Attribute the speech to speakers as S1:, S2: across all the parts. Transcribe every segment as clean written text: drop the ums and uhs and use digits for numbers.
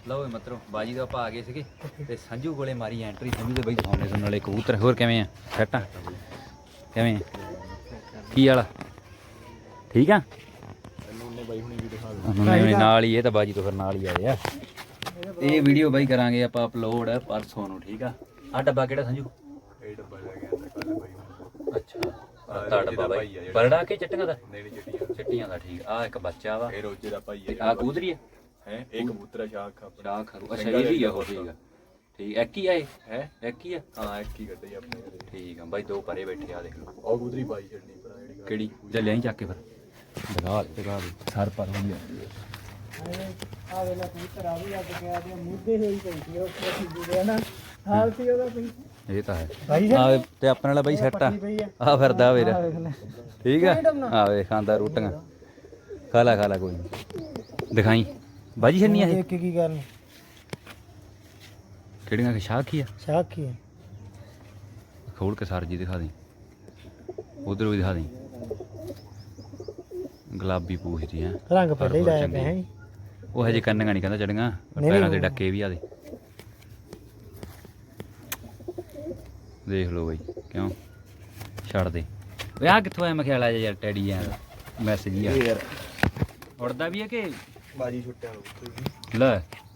S1: ਲਓ ਮਤਲਬ ਬਾਜੀ ਦਾ ਆਪਾਂ ਆ ਗਏ ਸੀਗੇ ਤੇ ਸੰਜੂ ਕੋਲੇ ਮਾਰੀ ਐਂਟਰੀ। ਸੰਜੂ ਦੇ ਬਾਈ ਦਿਖਾਉਂਦੇ ਤੁਹਾਨੂੰ ਨਾਲੇ ਕਬੂਤਰ। ਹੋਰ ਕਿਵੇਂ ਆ? ਸੈੱਟ ਆ? ਕਿਵੇਂ ਕੀ ਵਾਲਾ ਠੀਕ ਆ? ਨਾਲ ਹੀ ਇਹ ਤਾਂ ਬਾਜੀ ਤੋਂ ਫਿਰ ਨਾਲ ਹੀ ਆਏ ਆ। ਇਹ ਵੀਡੀਓ ਬਾਈ ਕਰਾਂਗੇ ਆਪਾਂ ਅਪਲੋਡ ਪਰਸੋਂ ਨੂੰ, ਠੀਕ ਆ? ਆਹ ਡੱਬਾ ਕਿਹੜਾ ਸੰਜੂ?
S2: ਇਹ ਡੱਬਾ ਲੈ ਕੇ ਆਂਦਾ ਕੱਲ ਬਾਈ ਹੁਣ।
S1: ਅੱਛਾ ਤਾਂ ਡੱਬਾ ਬਾਈ ਬਰੜਾ ਕੇ ਚਿੱਟੀਆਂ ਦਾ? ਚਿੱਟੀਆਂ ਦਾ ਠੀਕ ਆ। ਇੱਕ ਬੱਚਾ ਵਾ,
S2: ਇਹ ਰੋਜੇ ਦਾ ਭਾਈ ਹੈ।
S1: ਆ ਕਬੂਤਰੀ ਆ
S2: ਹੈ ਇਹ ਕਬੂਤਰ ਸ਼ਾਖ ਆਪਣਾ।
S1: ਸ਼ਾਖ ਅੱਛਾ ਇਹ ਵੀ ਆ ਉਹ। ਠੀਕ ਆ ਠੀਕ। ਇੱਕ ਹੀ ਆ ਇਹ?
S2: ਹੈ
S1: ਇੱਕ ਹੀ ਆ?
S2: ਹਾਂ ਇੱਕ ਹੀ ਕੱਢੇ ਆਪਣੇ ਘਰੇ।
S1: ਠੀਕ ਆ ਬਾਈ। ਦੋ ਪਰੇ ਬੈਠੇ ਆ ਦੇਖ ਲਓ।
S2: ਉਹ ਕਬੂਤਰੀ ਪਾਈ ਛੱਡਣੀ ਭਰਾ ਜਿਹੜੀ
S1: ਕਿਹੜੀ? ਜਾਂ ਲਿਆਈ ਚੱਕ ਕੇ ਫਿਰ ਦਿਖਾ ਦੇ ਸਰ ਪਰ ਹੋ ਗਿਆ।
S3: ਆ ਵੇਲਾ ਕਬੂਤਰ ਆ ਵੀ ਲੱਗ ਗਿਆ ਤੇ ਮੁੱਦੇ ਹੋਈ ਪਈ ਸੀ ਉਹ ਕਿਹਦੇ ਨਾ ਹਾਲ ਸੀ ਉਹਦਾ ਕੋਈ।
S1: ਇਹ ਤਾਂ ਹੈ
S3: ਭਾਈ
S1: ਆ ਤੇ ਆਪਣੇ ਵਾਲਾ ਬਾਈ ਸੈੱਟ ਆ। ਆ ਫਿਰਦਾ ਵੀਰ ਠੀਕ ਆ। ਆ ਵੇ ਖਾਂਦਾ ਰੋਟੀਆਂ। ਖਾ ਲਾ ਕੋਈ ਨਹੀਂ। ਦਿਖਾਈ ਬਾਜੀ ਛੰਨੀ ਆ ਇਹ
S3: ਕੀ ਕਰਨ
S1: ਕਿਹੜੀਆਂ ਸ਼ਾਖੀ ਆ?
S3: ਸ਼ਾਖੀ
S1: ਖੋਲ ਕੇ ਸਰ ਜੀ ਦਿਖਾ ਦੇ। ਉਧਰ ਵੀ ਦਿਖਾ ਦੇ। ਗੁਲਾਬੀ ਪੂਛਦੀ ਹੈ
S3: ਰੰਗ ਪਹਿਲੇ ਹੀ ਲਾਇਆ ਪਿਆ ਹੈ।
S1: ਉਹ ਹਜੇ ਕੰਨਾਂ ਨਹੀਂ ਕਹਿੰਦਾ ਚੜੀਆਂ ਪੈਰਾਂ ਦੇ ਡੱਕੇ ਵੀ ਆ ਦੇ। ਦੇਖ ਲਓ ਬਾਈ ਕਿਉਂ ਛੱਡ ਦੇ ਓਏ। ਆ ਕਿੱਥੋਂ ਆਇਆ ਮਖਿਆਲਾ ਯਾਰ ਟੈਡੀ ਆ ਮੈਸੇਜ ਆ ਯਾਰ। ਉੜਦਾ ਵੀ ਹੈ ਕਿ
S2: ਬਾਜੀ ਛੁੱਟਿਆ
S1: ਲੈ?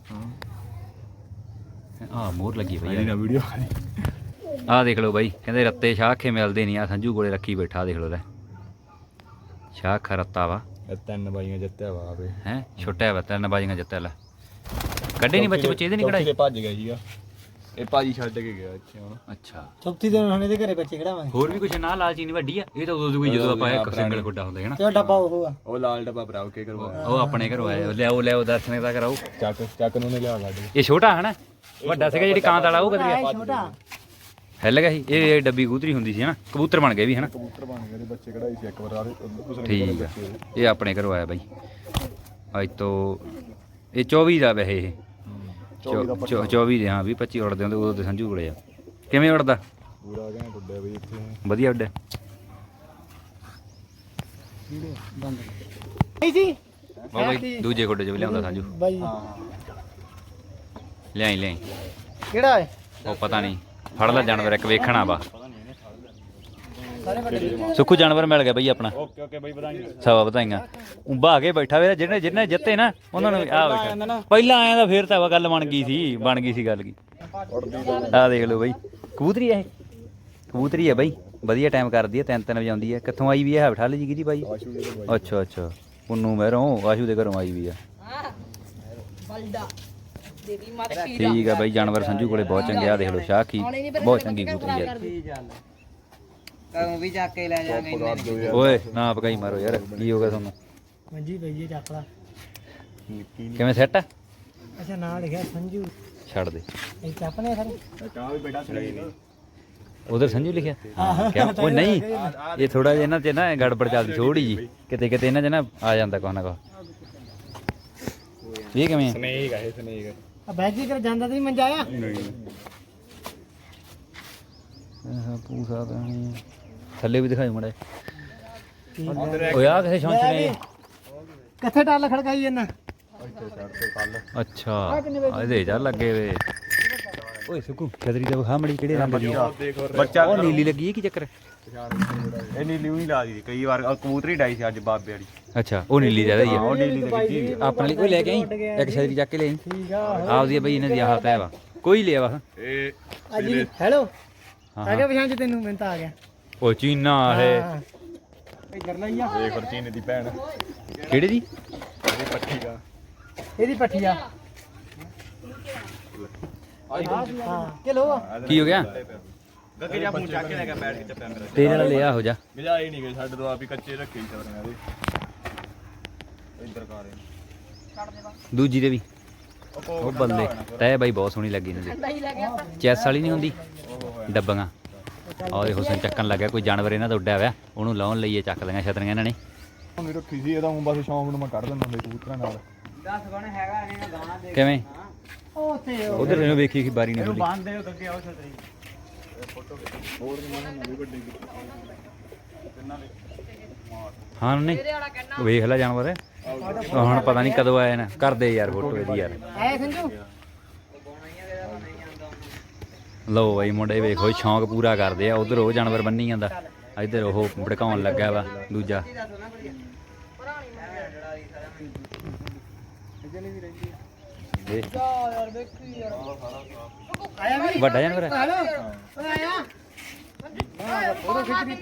S1: ਆ ਮੋਹਰ ਲੱਗੀ ਪਈ
S2: ਨਾ ਵੀਡੀਓ।
S1: ਆ ਦੇਖ ਲਓ ਬਾਈ ਕਹਿੰਦੇ ਰੱਤੇ ਸ਼ਾਖੇ ਮਿਲਦੇ ਨਹੀਂ। ਆ ਸੰਜੂ ਕੋਲੇ ਰੱਖੀ ਬੈਠਾ ਦੇਖ ਲਓ ਲੈ। ਸ਼ਾਖ ਰੱਤਾ ਵਾ।
S2: ਇਹ ਤਿੰਨ ਬਾਈਆਂ ਜਿੱਤਿਆ ਵਾ ਆਵੇ
S1: ਹੈ ਛੁੱਟਿਆ ਵਾ। ਤਿੰਨ ਬਾਜੀਆਂ ਜਿੱਤਿਆ ਲੈ। ਕੱਢੇ ਨਹੀਂ ਬੱਚੇ ਇਹਦੇ ਨਹੀਂ ਕਢਾਈ?
S2: ਭੱਜ ਗਿਆ ਸੀਗਾ ਇਹ ਭਾਜੀ ਛੱਡ ਕੇ ਗਿਆ ਇੱਥੇ ਹੁਣ।
S1: ਅੱਛਾ
S3: ਚੌਥੀ ਦਿਨ ਹੁਣ ਇਹਦੇ ਘਰੇ ਬੱਚੇ ਖੜਾਵਾਂਗੇ।
S1: ਹੋਰ ਵੀ ਕੁਛ ਨਾ ਲਾਲਚੀ ਨਹੀਂ ਵੱਡੀ ਆ ਇਹ ਤਾਂ ਉਦੋਂ ਕੋਈ ਜਦੋਂ ਆਪਾਂ ਇੱਕ ਸਿੰਗਲ ਖੁੱਡਾ ਹੁੰਦਾ ਹੈ ਨਾ।
S3: ਤੇ ਡੱਬਾ ਉਹ ਆ
S2: ਉਹ ਲਾਲ ਡੱਬਾ ਭਰਾਓ ਕੇ ਕਰਵਾਇਆ।
S1: ਉਹ ਆਪਣੇ ਘਰੋਂ ਆਇਆ। ਲਿਆਓ ਦਰਸ਼ਨੇ ਦਾ ਕਰਾਓ।
S2: ਚੱਕ ਨੂੰ ਨੇ ਲਿਆ ਸਾਡੇ।
S1: ਇਹ ਛੋਟਾ ਹੈ ਨਾ? ਵੱਡਾ ਸੀਗਾ ਜਿਹੜੀ ਕਾਂਤ ਵਾਲਾ ਉਹ ਵਧੀਆ
S3: ਛੋਟਾ
S1: ਹਿੱਲ ਗਿਆ ਸੀ। ਇਹ ਡੱਬੀ ਕਬੂਤਰੀ ਹੁੰਦੀ ਸੀ ਹਨਾ? ਕਬੂਤਰ ਬਣ ਗਏ ਵੀ ਹਨਾ?
S2: ਕਬੂਤਰ ਬਣ ਗਏ ਬੱਚੇ ਕਢਾਈ ਸੀ ਇੱਕ ਵਾਰ।
S1: ਠੀਕ ਆ। ਇਹ ਆਪਣੇ ਘਰੋਂ ਆਇਆ ਬਾਈ ਅੱਜ ਤੋਂ। ਇਹ 24 ਦਾ ਵੈਸੇ ਇਹ 24 ਦੇ। ਹਾਂ 20-25 ਉੜਦੇ ਹੁੰਦੇ ਉਦੋਂ ਤੇ ਸੰਜੂ ਕੋਲੇ ਆ। ਕਿਵੇਂ ਉੜਦਾ?
S2: ਪੂਰਾ ਕਹਿੰਦਾ ਟੁੱਟਿਆ ਬਈ ਇੱਥੇ
S1: ਵਧੀਆ ਉੱਡਿਆ
S3: ਨਹੀਂ ਸੀ
S1: ਬਾਈ। ਦੂਜੇ ਖੁੱਡੇ 'ਚ ਵੀ ਲਿਆਉਂਦਾ ਸੰਜੂ।
S3: ਬਾਈ
S1: ਲਿਆਈ
S3: ਕਿਹੜਾ ਹੈ?
S1: ਉਹ ਪਤਾ ਨਹੀਂ। ਫੜ ਲੈ ਜਾਨਵਰ ਇੱਕ ਵੇਖਣਾ ਵਾ।
S3: ਸਾਰੇ ਵੱਡੇ
S1: ਸੁੱਖੂ ਜਾਨਵਰ ਮਿਲ ਗਿਆ ਬਈ ਆਪਣਾ।
S2: ਓਕੇ ਬਾਈ ਵਧਾਈਆਂ।
S1: ਸਵਾ ਵਧਾਈਆਂ। ਉਭਾ ਕੇ ਬੈਠਾ ਵੇ ਜਿਹਨੇ ਜਿੱਤੇ ਨਾ ਉਹਨਾਂ ਨੂੰ ਆ ਬੈਠਾ। ਪਹਿਲਾਂ ਆਇਆ ਤਾਂ ਫੇਰ ਤਾਂ ਗੱਲ ਬਣ ਗਈ ਸੀ ਗੱਲ ਕੀ। ਆ ਦੇਖ ਲਓ ਬਈ ਕਬੂਤਰੀ ਇਹ ਕਬੂਤਰੀ ਹੈ ਬਈ। ਵਧੀਆ ਟਾਈਮ ਕਰਦੀ ਹੈ। 3 ਵਜਾਉਂਦੀ ਹੈ। ਕਿੱਥੋਂ ਆਈ ਵੀ ਹੈ? ਠਾਲ ਜੀ ਕਿਹਦੀ ਬਾਈ? ਅੱਛਾ ਪੁੰਨੂ ਮਹਿਰੋਂ ਆਸ਼ੂ ਦੇ ਘਰੋਂ ਆਈ ਵੀ ਆ। ਠੀਕ ਆ ਬਾਈ। ਜਾਨਵਰ ਸੰਜੂ ਕੋਲੇ ਬਹੁਤ ਚੰਗੇ ਆ। ਦੇਖ ਲਓ ਸ਼ਾਖੀ ਬਹੁਤ ਚੰਗੀ ਕਬੂਤਰੀ ਯਾਰ।
S3: ਕਦੋਂ ਵੀ ਚੱਕ ਕੇ ਲੈ ਜਾਾਂਗੇ।
S1: ਓਏ ਨਾ ਪਕਾਈ ਮਾਰੋ ਯਾਰ। ਕੀ ਹੋ ਗਿਆ ਤੁਹਾਨੂੰ?
S3: ਮੰਜੀ ਪਈ ਚੱਕ ਲਾ।
S1: ਕਿਵੇਂ ਸੈੱਟ ਆ?
S3: ਅੱਛਾ ਨਾਂ ਲਿਖਿਆ ਸੰਜੂ।
S1: ਛੱਡ ਦੇ।
S3: ਇਹ ਚੱਪਨੇ ਸਾਰੇ
S2: ਕਾ ਵੀ ਬੇਟਾ ਛੜਾਈ
S1: ਉਧਰ ਸੰਜੂ ਲਿਖਿਆ ਕਿਉਂ? ਉਹ ਨਹੀਂ ਇਹ ਥੋੜਾ ਜਿਹਾ ਇਹਨਾਂ 'ਚ ਨਾ ਗੜਬੜ ਚੱਲਦੀ ਥੋੜੀ ਜੀ। ਕਿਤੇ ਇਹਨਾਂ 'ਚ ਨਾ ਆ ਜਾਂਦਾ ਕੁਛ ਨਾ ਕੁਛ। ਇਹ ਕਿਵੇਂ?
S2: ਸਨੇਕ ਹੈ ਸਨੇਕ।
S3: ਆ ਬੈਜੀ ਕਰ ਜਾਂਦਾ ਤੇ ਮੰਜਾ ਆ।
S1: ਪੂਸਾ ਤਾਂ ਥੱਲੇ ਵੀ ਦਿਖਾਈ ਮੜਾ। ਓਏ ਆ ਕਿਸੇ ਸ਼ੌਂਚ ਨੇ
S3: ਕਿੱਥੇ ਟੱਲ ਖੜਕਾਈ ਇਹਨਾਂ?
S1: ਅੱਛਾ ਇਹਦੇ ਜਾ ਲੱਗੇ ਵੇ। ਓਏ ਸੁੱਕੂ ਛਤਰੀ ਤੇ ਵਿਖਾ ਮੜੀ ਕਿਹੜੇ ਰੰਗ ਦੀ
S2: ਬੱਚਾ
S1: ਉਹ ਨੀਲੀ ਲੱਗੀ ਹੈ ਕੀ ਚੱਕਰ?
S2: ਇਹ ਨੀਲੀ ਨਹੀਂ ਲਾ ਦੀ ਕਈ ਵਾਰ ਕਬੂਤਰੀ ਡਾਈ ਸੀ ਅੱਜ ਬਾਬੇ ਵਾਲੀ।
S1: ਅੱਛਾ ਉਹ ਨੀਲੀ ਜ਼ਿਆਦਾ ਹੀ ਆ।
S2: ਉਹ ਨੀਲੀ ਤੇ ਕੀਤੀ
S1: ਆਪਣੇ ਲਈ ਕੋਈ ਲੈ ਕੇ ਆਈ ਇੱਕ ਛਤਰੀ ਚੱਕ ਕੇ ਲੈ ਆਈ।
S3: ਠੀਕ ਆ
S1: ਆਪਦੀ ਬਈ ਇਹਨਾਂ ਦੀ ਆਹ ਤੈ ਵਾ। ਕੋਈ ਲਿਆ ਵਾ
S2: ਇਹ
S3: ਅਜੀ ਹੈਲੋ
S1: ਹਾਂ
S3: ਆ ਗਿਆ ਪਛਾਣ ਚ ਤੈਨੂੰ ਮੈਂ ਤਾਂ ਆ ਗਿਆ।
S1: ਉਹ ਚੀਨਾ ਇਹ
S3: ਇੱਧਰ ਲਈ ਆ।
S2: ਇਹ ਫਰਚੀਨ ਦੀ ਭੈਣ
S1: ਕਿਹੜੇ ਦੀ?
S2: ਇਹਦੀ ਪੱਠੀ ਦਾ
S3: ਇਹਦੀ ਪੱਠੀ ਆ। ਹਾਂ ਕਿਲੋ
S1: ਕੀ ਹੋ ਗਿਆ?
S2: ਗੱਗੇ ਜਾ ਮੂੰਹ ਚੱਕ ਕੇ ਲੈ ਗਿਆ ਬੈਠ ਕੇ ਚੱਪਿਆ ਮੇਰਾ।
S1: ਤੇਰੇ ਨਾਲ ਲਿਆ ਹੋ ਜਾ।
S2: ਮਿਲਿਆ ਹੀ ਨਹੀਂ ਗਏ ਸਾਡੇ ਤੋਂ ਆਪ ਹੀ ਕੱਚੇ ਰੱਖੇ ਸਵਰੀਆਂ ਦੇ। ਇੱਧਰ ਕਾਰੇ
S1: ਦੂਜੀ ਦੇ ਵੀ ਉਹ ਬੱਲੇ ਤੈ ਬਾਈ ਬਹੁਤ ਸੋਹਣੀ ਲੱਗੀ ਇਹਨਾਂ ਦੀ। ਚੈਸ ਵਾਲੀ ਨਹੀਂ ਹੁੰਦੀ ਡੱਬੀਆਂ। ਆਹ ਦੇਖੋ ਹੁਸਨ ਚੱਕਣ ਲੱਗਿਆ। ਕੋਈ ਜਾਨਵਰ ਇਹਨਾਂ ਦਾ ਉੱਡਿਆ ਹੋਇਆ ਉਹਨੂੰ ਲਾਉਣ ਲਈ ਚੱਕ ਲਈਆਂ ਛਤਰੀਆਂ ਇਹਨਾਂ ਨੇ।
S2: ਉਹਨੇ ਰੱਖੀ ਸੀ ਇਹਦਾ ਹੁਣ ਬਸ ਸ਼ੌਂਕ ਨੂੰ ਮੈਂ ਕੱਢ ਦਿੰਦਾ ਹੁੰਦਾ ਕਬੂਤਰਾਂ ਨਾਲ।
S3: 10 ਬਣ ਹੈਗਾ ਇਹਨਾਂ ਗਾਣਾ ਦੇ
S1: ਕਿਵੇਂ?
S3: ਉਹ ਤੇ
S1: ਉਧਰ ਇਹਨੂੰ ਵੇਖੀ ਕਿ ਬਾਰੀ ਨਹੀਂ ਖੁੱਲੀ।
S3: ਬੰਦ ਦੇ ਗੱਗੇ ਆਓ ਛਤਰੀ।
S1: ਹਾਂ ਨਹੀਂ ਵੇਖ ਲੈ ਜਾਨਵਰ ਹੁਣ ਪਤਾ ਨਹੀਂ ਕਦੋਂ ਆਇਆ ਨਾ ਕਰਦੇ ਯਾਰ ਫੋਟੋ ਇਹਦੀ ਯਾਰ
S3: ਐ ਸੰਜੂ
S1: ਲਓ ਬਾਈ ਮੁੰਡੇ ਵੇਖੋ ਸ਼ੌਂਕ ਪੂਰਾ ਕਰਦੇ ਆ ਉਧਰ ਉਹ ਜਾਨਵਰ ਬੰਨੀ ਜਾਂਦਾ ਇੱਧਰ ਉਹ ਭੜਕਾਉਣ ਲੱਗਾ ਵਾ ਦੂਜਾ ਦੇਖ
S3: ਯਾਰ ਦੇਖੀ ਯਾਰ ਆਇਆ ਵੀ
S1: ਵੱਡਾ ਜਾਨਵਰ ਹੈ
S3: ਹਲੋ ਓਏ ਆਇਆ ਉਹਦੇ ਖਿੱਚੀ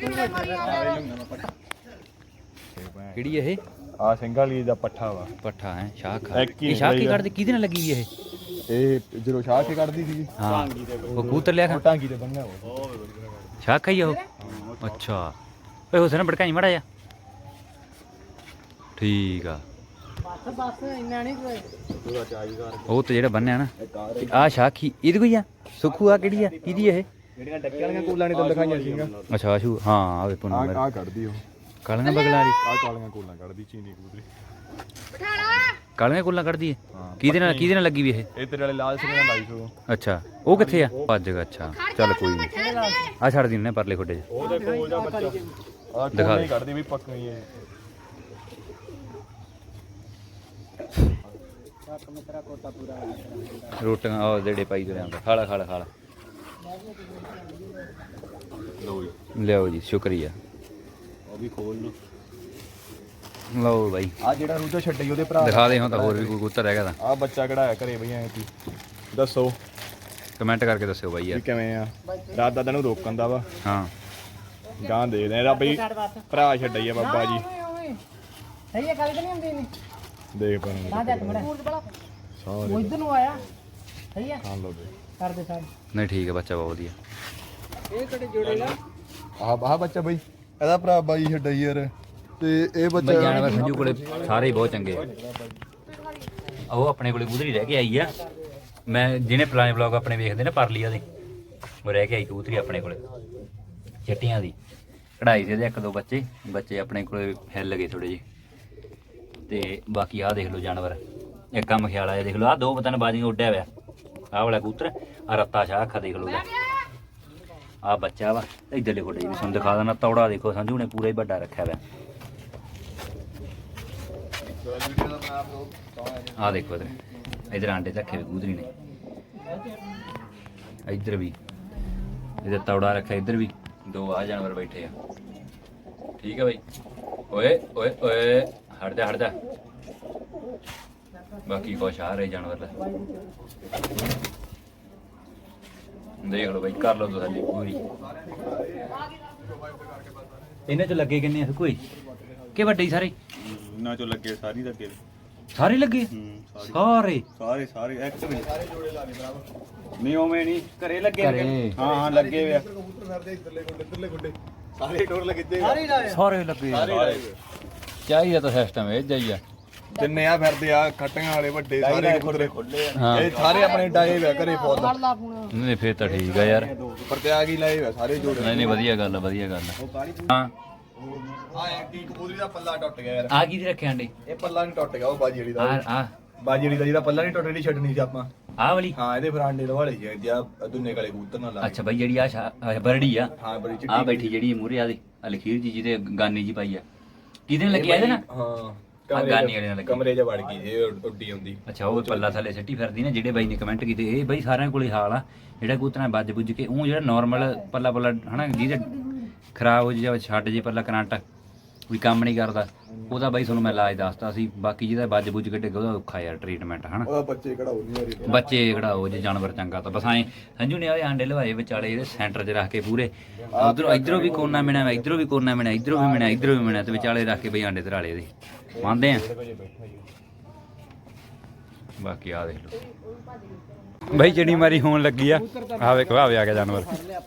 S1: ਕਿਹੜੀ ਇਹ
S2: ਆ ਸਿੰਘਾਲੀ ਦਾ ਪੱਠਾ ਵਾ
S1: ਪੱਠਾ ਹੈ ਸ਼ਾਹ
S2: ਇੱਕ ਹੀ
S1: ਇਹ ਸ਼ਾਹ ਕੀ
S2: ਨਿਕਲੀ ਆ।
S1: ਕੱਢਦੀ ਕਿਹਦੇ ਨਾਲ ਲੱਗੀ ਇਹ
S2: ਇਹ ਜਦੋਂ ਸ਼ਾਹ ਕੇ ਕੱਢਦੀ ਸੀ
S1: ਹਾਂ ਉਹ ਕੂਤਰ ਲਿਆ ਖਾ
S2: ਟਾਂਗੀ ਤੇ ਬੰਨਿਆ ਉਹ
S1: ਸ਼ਾਹ ਖਾਈ ਉਹ ਅੱਛਾ ਓਏ ਹੁਸਨ ਭੜਕਾਈ ਮੜਾ ਜਾ ਠੀਕ ਆ
S3: ਬਸ ਇੰਨਾ ਨਹੀਂ ਕੋਈ
S2: ਪੂਰਾ ਚਾਈ ਕਰ
S1: ਉਹ ਤੇ ਜਿਹੜਾ ਬੰਨਿਆ ਨਾ ਆ ਸ਼ਾਖੀ ਇਹਦੀ ਕੋਈ ਆ ਸੁਖੂ ਆ ਕਿਹੜੀ ਆ ਕਿਹਦੀ ਇਹ
S2: ਜਿਹੜੀਆਂ ਡੱਕੇ ਵਾਲੀਆਂ ਕੂਲਾਂ ਨੇ ਤਾਂ ਦਿਖਾਈਆਂ ਸੀਗੀਆਂ
S1: ਅੱਛਾ ਆਸ਼ੂ ਹਾਂ ਆਵੇ ਪੁੰਨ
S2: ਆ ਕੱਢਦੀ ਉਹ
S1: ਕਾਲੀਆਂ ਬਗਲਾ ਦੀ
S2: ਆ ਕਾਲੀਆਂ ਕੂਲਾਂ ਕੱਢਦੀ ਚੀਨੀ ਕਬੂਤਰੀ
S1: ਕਾਲੀਆਂ ਕੁੱਲਾਂ ਕੱਢਦੀ ਹੈ
S2: ਹਾਂ
S1: ਕਿਹਦੇ ਨਾਲ ਲੱਗੀ ਵੀ ਇਹ
S2: ਇਹ ਤੇਰੇ ਵਾਲੇ ਲਾਲ ਸਿੰਘ ਨਾਲ ਲਾਈ ਸੋ
S1: ਅੱਛਾ ਉਹ ਕਿੱਥੇ ਆ ਭੱਜ ਗਿਆ ਅੱਛਾ ਚੱਲ ਕੋਈ ਨਹੀਂ ਆ ਛੱਡ ਦਿੰਨੇ ਪਰਲੇ ਖੋਡੇ 'ਚ
S2: ਉਹਦੇ ਕੋਲ ਦਾ ਬੱਚਾ ਆ
S1: ਦਿਖਾ
S2: ਕੋਲ
S1: ਦੇ।
S2: ਕੱਢਦੀ ਵੀ ਪੱਕੀ ਇਹ
S3: ਮੇਰਾ ਕੋਟਾ ਪੂਰਾ
S1: ਰੋਟੀਆਂ ਉਹ ਜਿਹੜੇ ਪਾਈ ਤੁਰਿਆ ਹੁੰਦਾ ਖਾਲਾ ਖਾਲਾ ਖਾਲਾ
S2: ਲੋ ਜੀ
S1: ਲਿਆਓ ਜੀ ਸ਼ੁਕਰੀਆ
S2: ਉਹ ਵੀ ਖੋਲ ਲੋ
S1: ਲਓ ਬਾਈ
S2: ਆ ਜਿਹੜਾ ਰੂਟਾ ਛੱਡੀ ਉਹਦੇ ਭਰਾ
S1: ਦਿਖਾ ਦੇ ਹੁਣ ਤਾਂ ਹੋਰ ਵੀ ਕੋਈ ਕਬੂਤਰ ਹੈਗਾ ਤਾਂ
S2: ਆ ਬੱਚਾ ਕਢਾਇਆ ਘਰੇ ਬਈ ਐ ਤੀ ਦੱਸੋ
S1: ਕਮੈਂਟ ਕਰਕੇ ਦੱਸਿਓ ਬਾਈ
S2: ਵੀ
S1: ਯਾਰ
S2: ਕਿਵੇਂ ਆ ਰਾਤ ਦਾਦਾ ਨੂੰ ਰੋਕਣ ਦਾ ਵਾ
S1: ਹਾਂ
S2: ਗਾਂ ਦੇ ਦੇ ਇਹਦਾ ਬਈ ਭਰਾ ਛੱਡਈ ਆ ਬਾਬਾ ਜੀ
S3: ਸਹੀ ਹੈ ਗੱਲ ਤਾਂ ਨਹੀਂ ਹੁੰਦੀ ਨਹੀਂ
S2: ਦੇਖ ਪਰ
S3: ਨਾ ਜਾ ਮੜਾ
S2: ਸਾਰੇ
S3: ਉਹ ਇਧਰ ਨੂੰ ਆਇਆ ਸਹੀ ਹੈ
S2: ਖਾਂ ਲੋ ਬਈ
S3: ਕਰ ਦੇ ਸਾਡ
S1: ਨਹੀਂ ਠੀਕ ਹੈ ਬੱਚਾ ਬਹੁਤ ਵਧੀਆ
S3: ਇਹ ਕਿਹੜੇ ਜੋੜੇਗਾ
S2: ਆਹ ਬੱਚਾ ਬਈ ਇਹਦਾ ਭਰਾ ਬਾਈ ਛੱਡਈ ਯਾਰ ਤੇ ਇਹ
S1: ਬਾਈ ਜਾਨਵਰ ਸੰਜੂ ਕੋਲੇ ਸਾਰੇ ਹੀ ਬਹੁਤ ਚੰਗੇ ਆ ਉਹ ਆਪਣੇ ਕੋਲੇ ਕਬੂਤਰੀ ਰਹਿ ਕੇ ਆਈ ਆ ਮੈਂ ਜਿਹਨੇ ਪੁਰਾਣੇ ਵਲੌਗ ਆਪਣੇ ਵੇਖਦੇ ਨੇ ਪਰਲੀਆ ਦੇ ਉਹ ਰਹਿ ਕੇ ਆਈ ਕਬੂਤਰੀ ਆਪਣੇ ਕੋਲੇ ਚਿੱਟੀਆਂ ਦੀ ਕਢਾਈ ਸੀ ਇਹਦੇ ਇੱਕ ਦੋ ਬੱਚੇ ਆਪਣੇ ਕੋਲੇ ਹਿੱਲ ਗਏ ਥੋੜੇ ਜਿਹੇ ਤੇ ਬਾਕੀ ਆਹ ਦੇਖ ਲਓ ਜਾਨਵਰ ਇੱਕ ਆ ਮਖਿਆਲਾ ਇਹ ਦੇਖ ਲਓ ਆਹ ਦੋ ਪਤਨ ਬਾਜੀਆਂ ਉੱਡਿਆ ਹੋਇਆ ਆਹ ਵਾਲਾ ਕਬੂਤਰ ਆ ਰੱਤਾ ਸ਼ਾਹ ਅੱਖਾਂ ਦੇਖ ਲਓ ਆ ਬੱਚਾ ਵਾ ਇੱਧਰਲੇ ਖੋਡੇ ਵੀ ਤੁਹਾਨੂੰ ਦਿਖਾ ਦੇਣਾ ਤੌੜਾ ਦੇਖੋ ਸੰਜੂ ਨੇ ਪੂਰਾ ਹੀ ਵੱਡਾ ਰੱਖਿਆ ਹੋਇਆ ਆ ਦੇਖੋ ਇਧਰ ਆਂਡੇ ਰੱਖੇ ਹੋਏ ਕਬੂਤਰੀ ਨੇ ਇੱਧਰ ਵੀ ਇਹਦੇ ਤੌੜਾ ਰੱਖਿਆ ਇੱਧਰ ਵੀ ਦੋ ਆ ਜਾਨਵਰ ਬੈਠੇ ਆ ਠੀਕ ਹੈ ਬਾਈ ਓਏ ਓਏ ਓਏ ਹਟ ਜਾ ਬਾਕੀ ਕੁਛ ਆ ਰਹੇ ਜਾਨਵਰ ਲੈ ਦੇਖ ਲਓ ਬਾਈ ਕਰ ਲਓ ਤੁਸੀਂ ਪੂਰੀ ਇਹਨਾਂ ਚ ਲੱਗੇ ਕਿੰਨੇ ਆ ਕੋਈ ਕਿ ਵੱਡੇ ਹੀ ਸਾਰੇ
S2: ਨਾ ਚੋ ਲੱਗੇ ਸਾਰੀ ਲੱਗੇ
S1: ਸਾਰੇ ਲੱਗੇ ਸਾਰੇ
S2: ਸਾਰੇ ਇੱਕ ਵੀ ਸਾਰੇ ਜੋੜੇ ਲਾਣੇ ਬਰਾਬਰ ਨਹੀਂ ਉਵੇਂ ਨਹੀਂ ਘਰੇ ਲੱਗੇ
S1: ਘਰੇ।
S2: ਹਾਂ ਲੱਗੇ ਵੇ ਕਬੂਤਰ ਫਿਰਦੇ ਇੱਧਰਲੇ ਗੁੱਡੇ ਸਾਰੇ ਟੋਰ ਲੱਗੇ
S3: ਸਾਰੇ ਲਾਇਆ
S1: ਸਾਰੇ ਲੱਗੇ ਚਾਹੀਦਾ ਤਾਂ ਸਿਸਟਮ ਇਹ ਜਾਈਆ
S2: ਜਿੰਨੇ ਆ ਫਿਰਦੇ ਆ ਖੱਟੀਆਂ ਵਾਲੇ ਵੱਡੇ ਸਾਰੇ ਕਬੂਤਰ
S1: ਹਾਂ
S2: ਇਹ ਸਾਰੇ ਆਪਣੇ ਡਾਏ ਵੇ ਘਰੇ ਫੌਜ
S3: ਫੜ ਲਾ ਫੋਨ
S1: ਨਹੀਂ ਫੇਰ ਤਾਂ ਠੀਕ ਆ ਯਾਰ
S2: ਪ੍ਰਤਿਆਗ ਹੀ ਲਾਏ ਵੇ ਸਾਰੇ ਜੋੜੇ
S1: ਨਹੀਂ ਵਧੀਆ ਗੱਲ ਹਾਂ
S2: ਆ ਕੀ ਕਬੂਤਰੀ ਦਾ ਪੱਲਾ ਟੁੱਟ ਗਿਆ ਯਾਰ
S1: ਆ ਕੀ ਰੱਖਿਆ ਆਂਡੇ
S2: ਇਹ ਪੱਲਾ ਨਹੀਂ ਟੁੱਟ ਗਿਆ ਉਹ ਬਾਜੀ ਵਾਲੀ ਦਾ
S1: ਆ
S2: ਬਾਜੀ ਵਾਲੀ ਦਾ ਜਿਹੜਾ ਪੱਲਾ ਨਹੀਂ ਟੁੱਟਣੀ ਛੱਡਣੀ ਸੀ ਆਪਾਂ
S1: ਆ ਵਾਲੀ
S2: ਹਾਂ ਇਹਦੇ ਫਰਾਂਡੇ ਲਵਾਲੇ ਜੀ ਜਾਂ ਦੁੰਨੇ ਕਾਲੇ ਕਬੂਤਰ ਨਾਲ ਲਾ
S1: ਅੱਛਾ ਬਾਈ ਜਿਹੜੀ ਆ ਬਰੜੀ ਆ
S2: ਹਾਂ ਬੜੀ
S1: ਆ
S2: ਚਿੱਟੀ
S1: ਬੈਠੀ ਜਿਹੜੀ ਮੂਰੇ ਆ ਦੇ ਲਖੀਰ ਜੀ ਜਿਹਦੇ ਗਾਨੀ ਜੀ ਪਾਈ ਆ ਕਿਹਦੇ ਨਾਲ ਲੱਗੀ ਆ ਇਹਦੇ ਨਾਲ
S2: ਹਾਂ
S1: ਆ ਗਾਨੀ ਵਾਲੇ ਨਾਲ ਲੱਗੀ
S2: ਕਮਰੇ 'ਚ ਵੜ ਗਈ ਇਹ ਉੱਡੀ ਹੁੰਦੀ
S1: ਅੱਛਾ ਉਹ ਪੱਲਾ ਥੱਲੇ ਸਿੱਟੀ ਫਿਰਦੀ ਨਾ ਜਿਹੜੇ ਬਾਈ ਨੇ ਕਮੈਂਟ ਕੀਤੇ ਇਹ ਬਾਈ ਸਾਰਿਆਂ ਕੋਲੇ ਹਾਲ ਆ ਜਿਹੜਾ ਕਬੂਤਰਾਂ ਵੱਜ ਬੁੱਝ ਕੇ ਉਹ ਜਿਹੜਾ ਨਾਰਮਲ ਪੱਲਾ ਹਨਾ ਜਿਹਦੇ ਖਰਾਬ ਹੋ ਜਾ ਛੱਡ ਜੇ ਪੱਲਾ ਕਰੰਟ ਕੋਈ ਕੰਮ ਨਹੀਂ ਕਰਦਾ ਉਹਦਾ ਬਾਈ ਤੁਹਾਨੂੰ ਮੈਂ ਇਲਾਜ ਦੱਸਤਾ ਸੀ ਬਾਕੀ ਜਿਹਦਾ ਵੱਜ ਬੁੱਝ ਕੇ ਡਿੱਗਾ ਉਹਦਾ ਔਖਾ ਯਾਰ ਟ੍ਰੀਟਮੈਂਟ ਹਨਾ
S2: ਉਹਦਾ ਬੱਚੇ ਕਢਾਉ ਨਹੀਂ ਯਾਰ
S1: ਬੱਚੇ ਖੜਾਓ ਜੇ ਜਾਨਵਰ ਚੰਗਾ ਤਾਂ ਬਸ ਐ ਸੰਜੂ ਨੇ ਆਏ ਆਂਡੇ ਲਵਾਏ ਵਿਚਾਲੇ ਇਹਦੇ ਸੈਂਟਰ 'ਚ ਰੱਖ ਕੇ ਪੂਰੇ ਉਧਰੋਂ ਇਧਰੋਂ ਵੀ ਕੋਨਾ ਮਿਣਾ ਇਧਰੋਂ ਵੀ ਕੋਨਾ ਮਿਣਾ ਇਧਰੋਂ ਵੀ ਮਿਣਾ ਇਧਰੋਂ ਵੀ ਮਿਣਾ ਤੇ ਵਿਚਾਲੇ ਰੱਖ ਕੇ ਬਈ ਆਂਡੇ ਧਰਾਲੇ ਇਹਦੇ ਮੰਨਦੇ ਆ ਬਾਕੀ ਆ ਦੇਖ ਲਓ ਬਾਈ ਜਿਹੜੀ ਮਾਰੀ ਹੋਣ ਲੱਗੀ ਆ ਆ ਵੇਖੋ ਆ ਗਿਆ ਜਾਨਵਰ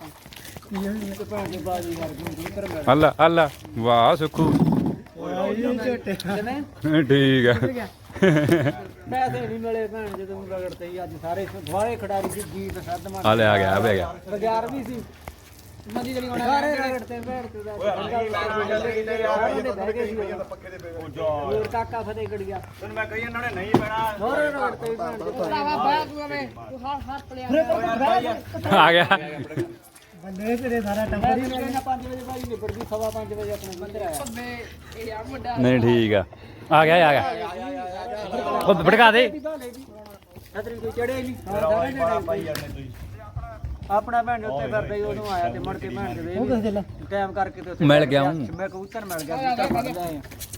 S1: ਅੱਲਾ ਅੱਲਾ ਵਾਹ ਸੁਖੂ ਠੀਕ ਆ
S3: ਪੈਸੇ ਨਹੀਂ ਮਿਲੇ ਭੈਣ ਜਦੋਂ ਰਗੜਤੇ ਹੀ ਅੱਜ ਸਾਰੇ ਦੁਆਰੇ ਖਿਡਾਰੀ ਸੀ ਜੀਤ ਸੱਦਮਾ
S1: ਆ ਲੈ ਆ ਗਿਆ
S3: ਬਾਜ਼ਾਰ ਵੀ ਸੀ ਮੰਦੀ ਜਿਹੜੀ ਹੋਣਾ ਸਾਰੇ ਰਗੜਤੇ ਭੈਣ ਤੇ ਦਾ ਹੋਰ ਕਾਕਾ ਫਤਿਹ ਗੜੀਆ
S2: ਤੈਨੂੰ ਮੈਂ ਕਹੀ ਇਹਨਾਂ ਨੇ ਨਹੀਂ ਪੈਣਾ
S3: ਹੋਰ ਰਗੜਤੇ ਭੈਣ ਤੇ ਭਰਾਵਾ ਬਾਹਰ ਤੂੰ ਆਵੇਂ ਤੂੰ ਹੱਥ ਲਿਆ
S1: ਆ ਗਿਆ
S3: ਦੇ ਤੇਰੇ ਸਾਰਾ ਟੱਬਰ ਹੀ 5 ਵਜੇ ਬਾਈ ਨਿਬੜਦੀ 5:15 ਵਜੇ ਆਪਣੇ ਮੰਦਰ ਆਇਆ
S1: ਨਹੀਂ ਠੀਕ ਆ ਗਿਆ ਉਹ ਭੜਕਾ ਦੇ
S3: ਛਤਰੀ ਕੋਈ ਚੜਿਆ ਹੀ ਨਹੀਂ
S2: ਰੌਲਾ ਬੜਾ ਪਾਈ ਜਾਂਦੇ ਤੁਸੀਂ
S3: ਆਪਣਾ ਭੈਣ ਦੇ ਉੱਤੇ ਫਿਰਦਾ ਹੀ ਉਦੋਂ ਆਇਆ ਤੇ ਮੁੜ ਕੇ ਭੈਣ ਦੇ ਵੇ ਟਾਈਮ ਕਰਕੇ ਤੇ ਉੱਥੇ
S1: ਮਿਲ ਗਿਆ ਹੂੰ।
S3: ਮੈਂ ਕਬੂਤਰ ਮਿਲ ਗਿਆ ਕਬੂਤਰ ਫੜ ਲਿਆ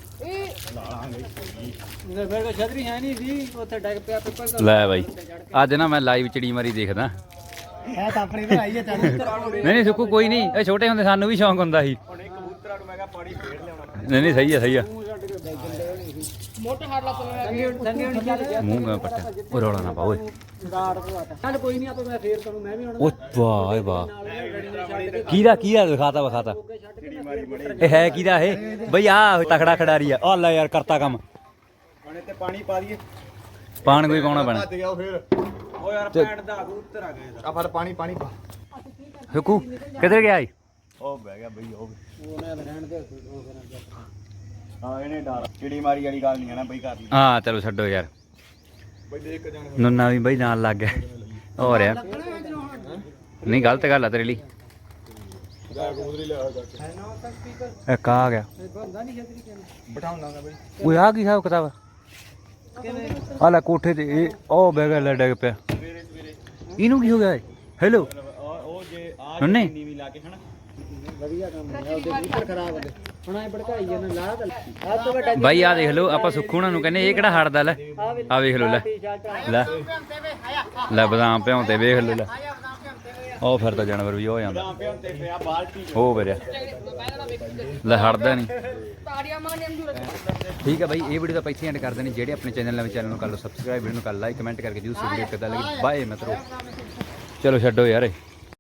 S3: ਇਹ ਫਿਰ ਛਤਰੀ ਹੈ ਨਹੀਂ ਸੀ ਉੱਥੇ ਡਿੱਗ ਪਿਆ ਪਿੱਪਲ ਦਾ
S1: ਲੈ ਬਾਈ ਅੱਜ ਨਾ ਮੈਂ ਲਾਈਵ ਚਿੜੀ ਮਾਰੀ ਦੇਖਦਾ
S3: ਹੈ ਤਾਂ ਆਪਣੀ ਭਰਾਈ ਹੈ
S1: ਨਹੀਂ ਸੁੱਕੂ ਕੋਈ ਨਹੀਂ ਇਹ ਛੋਟੇ ਹੁੰਦੇ ਸਾਨੂੰ ਵੀ ਸ਼ੌਂਕ ਹੁੰਦਾ ਸੀ
S2: ਹੁਣ ਇਹ ਕਬੂਤਰਾਂ ਨੂੰ ਮੈਂ ਕਿਹਾ ਪਾਣੀ ਫੇਰ ਲਿਆਉਣਾ
S1: ਨਹੀਂ ਸਹੀ ਆ
S3: ਮੋਟਾ ਹਾਰ ਲਾ ਸੰਗੇ ਨਹੀਂ ਚੱਲ ਗਿਆ
S1: ਮੂੰਹ ਮੈਂ ਪੱਟਾ ਉਹ ਰੌਲਾ ਨਾ ਪਾ ਓਏ
S3: ਰਾੜ ਪਵਾਤਾ ਚੱਲ ਕੋਈ ਨਹੀਂ ਆਪਾਂ ਮੈਂ ਫੇਰ ਤੁਹਾਨੂੰ ਮੈਂ ਵੀ ਹੁਣ
S1: ਓ ਵਾਹ ਏ ਵਾਹ ਕਿਹਦਾ ਵਿਖਾਤਾ ਇਹ ਹੈ ਕਿਹਦਾ ਇਹ ਬਈ ਆ ਤਕੜਾ ਖਿਡਾਰੀ ਆ ਲੈ ਯਾਰ ਕਰਤਾ ਕੰਮ
S2: ਹੁਣ ਇੱਥੇ ਪਾਣੀ ਪਾ ਦਈਏ
S1: ਪਾਣ ਕੋਈ ਪਾਉਣਾ ਪੈਣਾ
S2: ਭੱਜ ਗਿਆ ਫੇਰ ਓ ਯਾਰ ਪੈਂਟ ਦਾ ਕਬੂਤਰ ਆ ਗਿਆ ਆ ਫੜ ਪਾਣੀ ਪਾ
S1: ਸੁੱਕੂ ਕਿੱਧਰ ਗਿਆ ਈ
S2: ਉਹ ਬਹਿ ਗਿਆ ਬਈ ਉਹ
S3: ਉਹਨੇ ਰਹਿਣ ਦੇ
S2: ਹਾਂ ਇਹਨੇ ਡਰ ਚਿੜੀ ਮਾਰੀ ਵਾਲੀ ਗੱਲ ਨਹੀਂ ਹੈ ਨਾ ਬਈ ਕਰ ਲਈ
S1: ਹਾਂ ਚਲੋ ਛੱਡੋ ਯਾਰ
S2: ਬਈ ਦੇਖ ਕੇ ਜਾਣ
S1: ਨੁੰਨਾ ਵੀ ਬਈ ਨਾਲ ਲੱਗ ਗਿਆ ਹੋ ਰਿਹਾ ਨਹੀਂ ਗਲਤ ਗੱਲ ਆ ਤੇਰੇ ਲਈ
S2: ਜਾ ਕਬੂਤਰੀ ਲਿਆ ਜਾ
S1: ਇੱਕ ਆ ਗਿਆ
S3: ਬੰਦਾ ਨਹੀਂ ਛਤਰੀ ਕਿਵੇਂ
S2: ਬਿਠਾਉਂਦਾ ਮੈਂ ਬਈ
S1: ਓਏ ਆ ਕੀ ਹਿਸਾਬ ਕਿਤਾਬ ਆ ਲੈ ਕੋਠੇ ਤੇ ਇਹ ਉਹ ਬਹਿ ਗਿਆ ਲੈ ਡਿੱਗ ਪਿਆ ਇਹਨੂੰ ਕੀ ਹੋ ਗਿਆ ਹੈਲੋ
S2: ਉਹ ਜੇ ਆ
S1: ਨੁੰਨੇ
S2: ਨੀਵੀਂ ਲਾ ਕੇ ਹਨਾ
S3: ਵਧੀਆ ਕੰਮ ਹੈ ਉਹਦੇ ਕਬੂਤਰ ਖਰਾਬ ਹੋ ਗਏ ਹੁਣ ਐ ਭੜਕਾਈ ਜਾਂਦਾ ਲਾ ਗੱਲ ਆ ਤੋਂ ਵੱਡਾ
S1: ਬਾਈ ਆ ਦੇਖ ਲਓ ਆਪਾਂ ਸੁੱਖੂ ਉਹਨਾਂ ਨੂੰ ਕਹਿੰਦੇ ਇਹ ਕਿਹੜਾ ਹੜਦਾ ਲੈ ਆ ਵੇਖ ਲਓ ਲੈ ਲੈ ਲੈ ਬਦਾਮ ਭਿਉਂਤੇ ਵੇਖ ਲਓ ਲੈ ਉਹ ਫਿਰ ਤਾਂ ਜਾਨਵਰ ਵੀ ਹੋ ਜਾਂਦਾ
S2: ਤੇ ਪਿਆ ਬਾਲਟੀ
S1: ਹੋ ਵੀਰਿਆ ਲੈ ਹੜਦਾ ਨਹੀਂ ਠੀਕ ਹੈ ਬਾਈ ਇਹ ਵੀਡੀਓ ਤਾਂ ਇੱਥੇ ਐਂਡ ਕਰਦੇ ਨੇ ਜਿਹੜੇ ਆਪਣੇ ਚੈਨਲ ਨੂੰ ਕਰ ਲਓ ਸਬਸਕ੍ਰਾਈਬ ਵੀਡੀਓ ਨੂੰ ਕਰ ਲਾਈਕ ਕਮੈਂਟ ਕਰਕੇ ਜਰੂਰ ਵੀਡੀਓ ਕਿੱਦਾਂ ਲੱਗੀ ਬਾਏ ਮਿੱਤਰੋ ਚਲੋ ਛੱਡੋ ਯਾਰ